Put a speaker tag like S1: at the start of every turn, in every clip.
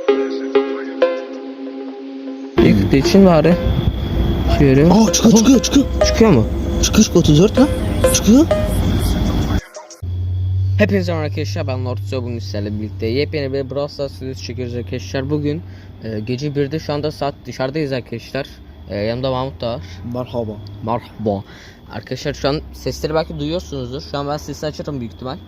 S1: İlk için bari. Şöyle.
S2: Aa çıkıyor.
S1: Çıkıyor mu?
S2: Çıkıyor 34 lan. Çıkıyor.
S1: Hepinize merhaba arkadaşlar, ben Lordso. Bugün sizlerle birlikte yepyeni bir Brawl Stars videosu çekiyoruz arkadaşlar. Bugün gece 1'de, şu anda saat dışarıdayız arkadaşlar. Yanımda Mahmut da var. Merhaba. Arkadaşlar şu an sesleri belki duyuyorsunuzdur. Şu an ben sesini açarım büyük ihtimal.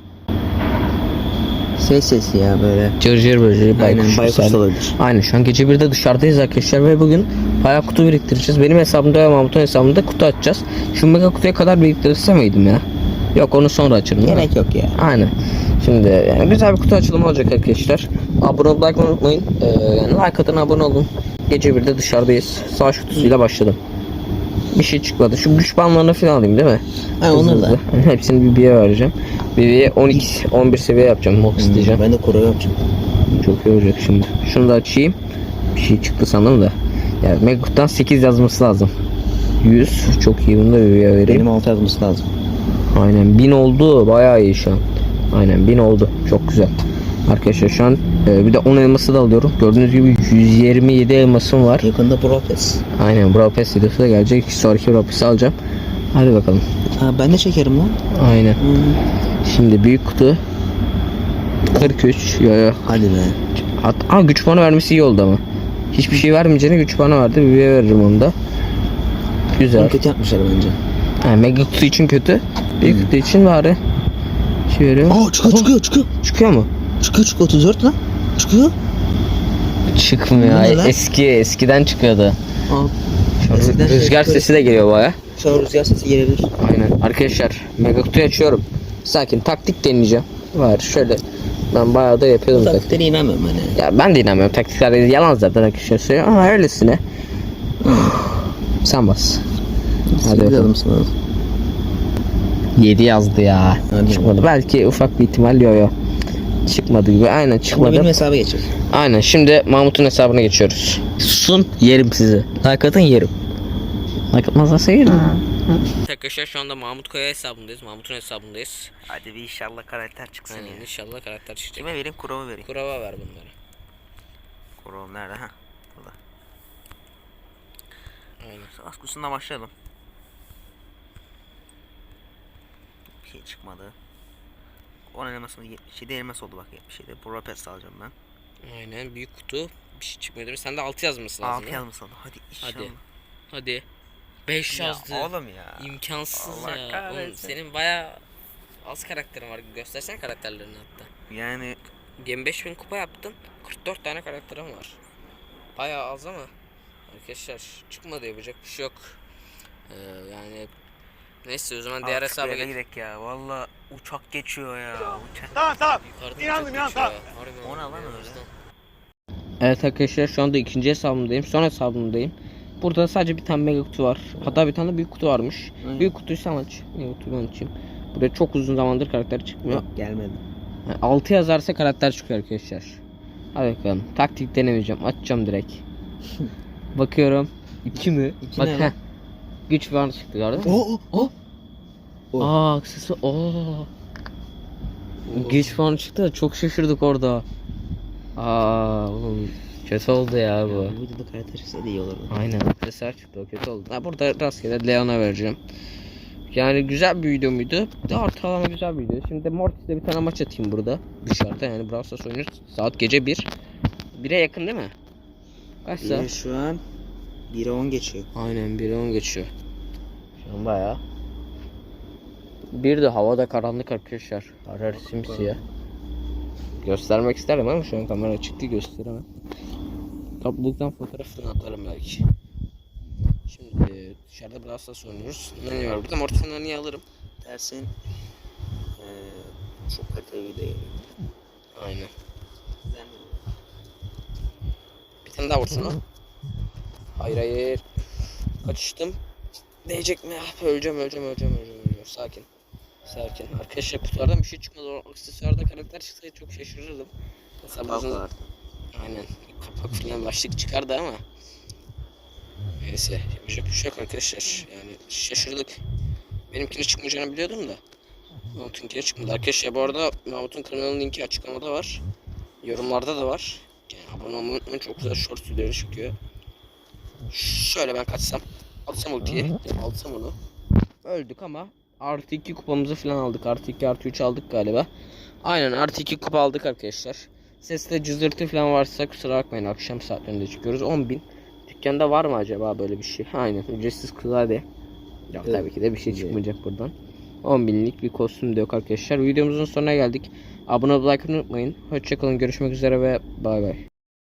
S2: Sesi ya böyle.
S1: Cırcır bırcır
S2: Baykuş olabilir.
S1: Aynen, şu an gece 1'de dışarıdayız arkadaşlar ve bugün bayağı kutu biriktireceğiz. Benim hesabımda ve Mahmut'un hesabında kutu açacağız. Şu mega kutuya kadar biriktirirse miydim ya? Yok, onu sonra açarım.
S2: Gerek yok ya.
S1: Aynen. Şimdi yani güzel bir kutu açılımı olacak arkadaşlar. Abone olmayı, like unutmayın. Yani like atın, abone olun. Gece 1'de dışarıdayız. Savaş kutusuyla başladım. Bir şey çıkmadı. Şu güç banlarını falan alayım değil mi?
S2: Ha, onları da.
S1: Hepsini BB'ye vereceğim. BB'ye 12-11 seviye yapacağım. Mox isteyeceğim.
S2: Ben de kuru yapacağım.
S1: Çok iyi olacak şimdi. Şunu da açayım. Bir şey çıktı sandım da. Yani Megut'tan 8 yazması lazım. 100. Çok iyi, bunu da BB'ye vereyim.
S2: Benim 6 yazması lazım.
S1: Aynen 1000 oldu. Bayağı iyi şu an. Aynen 1000 oldu. Çok güzel. Arkadaşlar şu an bir de 10 elması da alıyorum. Gördüğünüz gibi 127 elmasım var.
S2: Yakında Profes.
S1: Aynen, Brawl Pass videosu da gelecek. Sonraki Brawl Pass'ı alacağım. Hadi bakalım.
S2: Ha, ben de çekerim lan.
S1: Aynen. Şimdi büyük kutu 43. Yo.
S2: Hadi be.
S1: Güç puanı vermesi iyi oldu ama. Hiçbir şey vermeyeceğine güç puanı verdi. Bir veririm onu da. Güzel.
S2: Onu kötü yapmışlar bence.
S1: Mega kutu için kötü. Büyük kutu için bari. Şöyle.
S2: Aa çıkıyor.
S1: Çıkıyor mu?
S2: Çıkıyor 34 lan. Çıkıyor.
S1: Çıkmıyor.
S2: Bu ne lan?
S1: Eskiden çıkıyordu.
S2: Aa.
S1: Şu an
S2: Eskiden
S1: rüzgar
S2: şey
S1: sesi de geliyor baya.
S2: Şu an rüzgar sesi gelebilir.
S1: Aynen. Arkadaşlar mega kutuyu açıyorum. Sakin, taktik deneyeceğim. Var şöyle. Ben bayağı da yapıyordum taktik.
S2: Taktiğine inanmıyorum hani.
S1: Ya ben de inanmıyorum. Taktikler yalan zaten arkadaşlar söylüyor ama öylesine. Sen bas. Hadi bakalım. 7 yazdı ya.
S2: Hadi.
S1: Çıkmadı. Belki ufak bir ihtimal yo. Çıkmadı gibi. Aynen
S2: Şimdi
S1: çıkmadı.
S2: benim hesaba geçir.
S1: Aynen, şimdi Mahmut'un hesabına geçiyoruz. Susun, yerim sizi. Like atın, yerim. Like atmazlarsa yerim. Arkadaşlar şu anda Mahmut Kaya hesabındayız. Mahmut'un hesabındayız.
S2: Hadi bir inşallah karakter çıksın
S1: Aynen,
S2: ya.
S1: inşallah karakter çıkacak.
S2: Kime vereyim? Kurova vereyim.
S1: Kurava ver bunları.
S2: Kurova nerede? Ha. Burada.
S1: Aynen.
S2: Savaş kutusundan başlayalım. Bir şey çıkmadı. 10 elmasını 77 elmas oldu bak, 77. Profes alacağım ben.
S1: Aynen, büyük kutu. Bir şey çıkmıyordur. Sen de 6 yazması lazım.
S2: 6 elmas oldu. Hadi inşallah.
S1: Hadi. 5 yazdı.
S2: Oğlum ya.
S1: İmkansız
S2: Allah
S1: ya.
S2: kahretsin.
S1: Oğlum, senin bayağı az karakterin var. Göstersene karakterlerini hatta.
S2: Yani
S1: 25.000 kupa yaptın. 44 tane karakterim var. Bayağı az ama arkadaşlar çıkmadı, yapacak bir şey yok. Yani neyse, o zaman diğer hesaba
S2: gidelim ya. Valla uçak geçiyor ya. Uçak.
S3: Tamam.
S1: Yukarıda
S3: İnandım,
S1: uçak
S3: tamam.
S1: geçiyor ya. Harbiden
S2: O ne lan
S1: ya,
S2: öyle?
S1: o yüzden. Evet arkadaşlar, şu anda ikinci hesabımdayım. Son hesabımdayım. Burada sadece bir tane mega kutu var. Hatta bir tane de büyük kutu varmış. Büyük kutuyu sen aç. Mega kutuyu ben açayım. Burada çok uzun zamandır karakter çıkmıyor.
S2: Yok gelmedi.
S1: Yani 6 yazarsa karakter çıkıyor arkadaşlar. Hadi bakalım. Taktik denemeyeceğim. Açacağım direkt. Bakıyorum. 2 mi?
S2: 2
S1: Bak,
S2: ne lan?
S1: güç var çıktı, gördün mü?
S2: O.
S1: Aksesuar. Güç puanı çıktı da çok şaşırdık orada. Oğlum, kötü oldu ya bu.
S2: Bu videoda karakter çıksa da iyi olurdu.
S1: Aynen, aksesuar çıktı, o kötü oldu. Burada rastgele Leon'a vereceğim. Yani güzel bir video muydu? Ortalama güzel bir video. Şimdi Mortis'le bir tane maç atayım burada. Dışarıda, yani Brawl Stars oynuyoruz. Saat gece 1. 1'e yakın değil mi? Kaç saat?
S2: Şu an 1'e 10 geçiyor.
S1: Aynen, 1'e 10 geçiyor. Şu an bayağı. Bir de havada karanlık arkadaşlar. Arar simsiyah. Göstermek isterim ama şu an kamera açık değil, gösteremem. Topluluktan fotoğrafını atarım belki. Şimdi dışarıda Brawl Stars oynuyoruz. Nani var burada? Mortis'in Nani'yi alırım.
S2: Dersin çok kaliteli video geliyor.
S1: Aynen. Bir tane daha vursun o. Hayır. Kaçıştım. Değecek mi? Öleceğim. Sakin. Arkadaşlar kutulardan bir şey çıkmadı. O aksesuarda karakter çıksaydı çok şaşırırdım. Mesela bazen... Aynen. Kapak falan başlık çıkardı ama. Neyse. Yapacak bir şey yok arkadaşlar. Yani şaşırdık. Benimkine çıkmayacağını biliyordum da. Mahmut'unkine çıkmadı. Arkadaşlar bu arada Mahmut'un kanalının linki açıklamada var. Yorumlarda da var. Yani abone olmayı unutmayın. Çok güzel short videoları çıkıyor. Şöyle ben kaçsam. Atsam ultiyi. Alsam onu. Öldük ama artı 2 kupamızı falan aldık. Artı 2 artı 3 aldık galiba. Aynen artı 2 kupa aldık arkadaşlar. Seste cızırtı falan varsa kusura bakmayın, akşam saatlerinde çıkıyoruz. 10.000. Dükkanda var mı acaba böyle bir şey? Aynen ücretsiz klavye. Yok tabii ki de bir şey çıkmayacak buradan. 10.000'lik bir kostüm de yok arkadaşlar. Videomuzun sonuna geldik. Abone olmayı, like unutmayın. Hoşçakalın, görüşmek üzere ve bay bay.